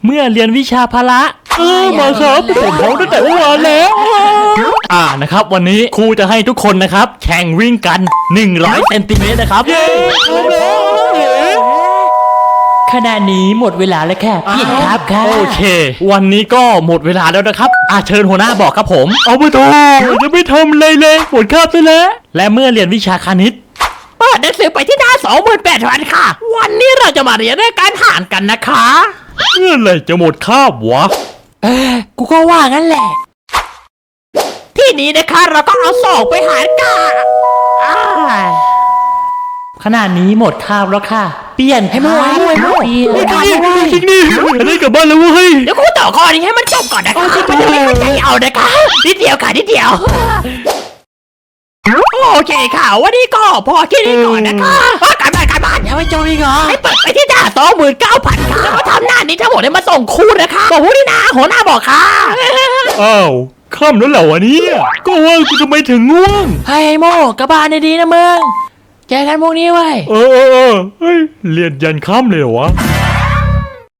เมื่อเรียนวิชาพละมาครับผมพร้อมตั้งแต่เมื่อวานแล้วนะครับวันนี้ครูจะให้ทุกคนนะครับแข่งวิ่งกัน100เซนติเมตรนะครับขณะนี้หมดเวลาแล้วค่ะพี่ครับค่ะโอเควันนี้ก็หมดเวลาแล้วนะครับเชิญหัวหน้าบอกครับผมเอาไปต่อจะไม่ทำเลยหมดคาบไปแล้วและเมื่อเรียนวิชาคณิตเปิดหนังสือไปที่หน้า 28,000 ค่ะวันนี้เราจะมาเรียนเรื่องการหารกันนะคะเมื่อไหร่จะหมดคาบวะกูก็ว่างั้นแหละที่นี้นะคะเราต้องเอา2ไปหารกันขนาดนี้หมดคาบแล้วค่ะเปลี่ยนให้มั่วจริงดิได้กลับบ้านแล้วเว้ยเดี๋ยวกูต่อข้อนี้ให้มันจบก่อนนะคะมันจะไม่เข้าใจเอานะคะนิดเดียวค่ะนิดเดียวโอเคค่ะวันนี้ก็พอแค่นี้ก่อนนะคะการบ้านยังไม่จบอีกเหรอให้เปิดไปที่หน้า 29,000 ค่ะแล้วทำหน้านี้ทั้งหมดให้มาส่งครูนะคะบอกผู้นี่นะหัวหน้าบอกค่ะอ้าวค่ำแล้วเหรอวะเนี่ยก็ว่ากูทำไมถึงง่วงให้โมกระบาลดีๆนะมึงเจอกันพวกนี้ไว้เฮ้ยเรียนยันค่ำเลยเหรอวะ